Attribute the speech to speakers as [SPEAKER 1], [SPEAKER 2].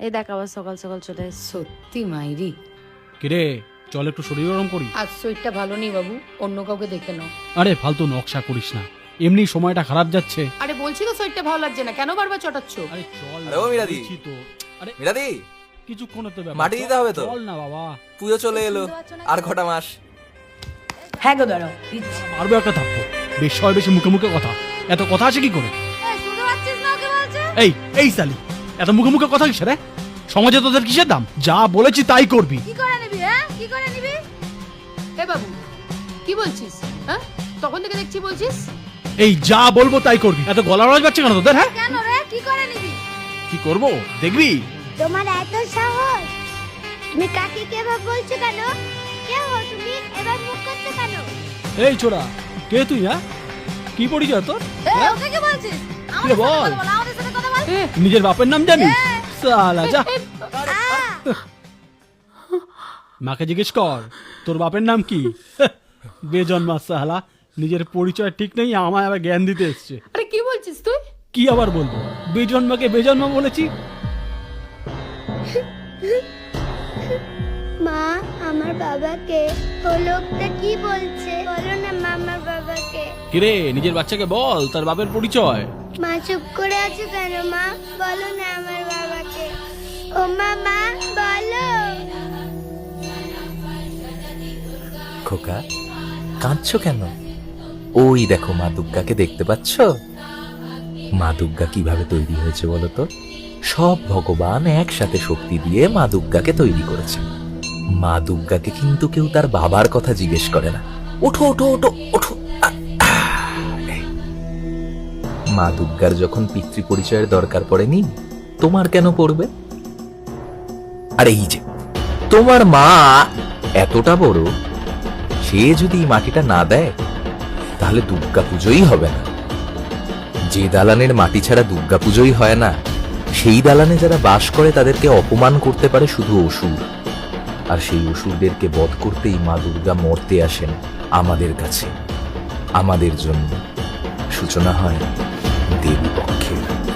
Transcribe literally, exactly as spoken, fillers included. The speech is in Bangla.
[SPEAKER 1] এই দেখ আবার সকাল সকাল চলে এসেছে।
[SPEAKER 2] সত্যি মাইরি।
[SPEAKER 3] কিরে চল একটু শরীর গরম করি।
[SPEAKER 2] আজ শরীরটা ভালো নেই বাবু, অন্য কাউকে দেখে নাও।
[SPEAKER 3] আরে ফালতু নকশা করিস না, এমনি সময়টা খারাপ যাচ্ছে।
[SPEAKER 2] আরে বলছি তো শরীরটা ভালো লাগছে না, কেন বারবার চটাচ্ছ?
[SPEAKER 3] আরে চল
[SPEAKER 4] আরে ও মিরাদি।
[SPEAKER 3] বলছি তো। আরে
[SPEAKER 4] মিরাদি,
[SPEAKER 3] কিছুক্ষণ তো ব্যাপার,
[SPEAKER 4] মাটি দিতে হবে তো।
[SPEAKER 3] চল না বাবা।
[SPEAKER 4] পুজো চলে এলো, আর কটা মাস।
[SPEAKER 2] হ্যাঁ গো দাঁড়াও।
[SPEAKER 3] মারবো একটা থাপ্পো, বেশ হয় বেশি মুখে মুখে কথা, এত কথা আছে কি করে? এই এই সালি, এত মুখে মুখে কথা কিসের রে? সমাজে তোদের কিসের দাম? যা বলেছি তাই করবি।
[SPEAKER 2] কি করে নিবি? হ্যাঁ কি করে নিবি? এ বাবু কি বলছিস? হ্যাঁ তখন থেকে দেখছি বলছিস।
[SPEAKER 3] এই যা বলবো তাই করবি, এত গলা আওয়াজ পাচ্ছে কেন তোদের? হ্যাঁ
[SPEAKER 2] কেন রে, কি করে নিবি?
[SPEAKER 3] কি করবো দেখবি।
[SPEAKER 5] তোমার এত সাহস, তুমি কাকে কেভাবে বলছো কেন? কে হো তুমি? এবার মুখ করতে কেন?
[SPEAKER 3] এই ছোড়া, কে তুই? হ্যাঁ কি পরিচয় তোর?
[SPEAKER 2] এ ওকে কি বলছিস?
[SPEAKER 3] কি রে বল,
[SPEAKER 2] আমাদের সাথে কথা বল।
[SPEAKER 3] নিজের বাপের নাম জানিস? সালা যা, মাকে জিজ্ঞেস কর তোর বাপের নাম কি। বেজন্মা সালা, নিজের পরিচয় ঠিক নেই, আমায় আবার জ্ঞান দিতে এসছে।
[SPEAKER 2] আরে কি বলছিস তুই?
[SPEAKER 3] কি আবার বলবো, বেজন্মাকে বেজন্মা বলেছি।
[SPEAKER 5] মা, আমার বাবাকে। ও লোকটা কি বলছে? বলো না মা, আমার বাবাকে।
[SPEAKER 3] কিরে নিজের বাচ্চাকে বল তার বাপের পরিচয়।
[SPEAKER 5] মা চুপ করে আছো কেন মা? বলো না আমার বাবাকে। ও মা, মা বলো।
[SPEAKER 4] খোকা, কাঁদছো কেন? ওই দেখো মা দুর্গাকে দেখতে পাচ্ছ? মা দুর্গা কিভাবে তৈরি হয়েছে বলো তো? সব ভগবান একসাথে শক্তি দিয়ে মা দুর্গাকে তৈরি করেছে। মা দুর্গাকে কিন্তু কেউ তার বাবার কথা জিজ্ঞেস করে না। ওঠো ওঠো ওঠো ওঠো। আহ, আহ। মা দুর্গার যখন পিতৃ পরিচয়ের দরকার পড়েনি, তোমার কেন পড়বে? আর এই যে তোমার মা এতটা বড়, সে যদি এই মাটিটা না দেয় তাহলে দুর্গা পুজোই হবে না। যে দালানের মাটি ছাড়া দুর্গা পুজোই হয় না, সেই দালানে যারা বাস করে তাদেরকে অপমান করতে পারে শুধু অসুর। আর সেই অসুরদেরকে বধ করতেই মা দুর্গা মরতে আসেন আমাদের কাছে, আমাদের জন্য। সূচনা হয় দেবী পক্ষের।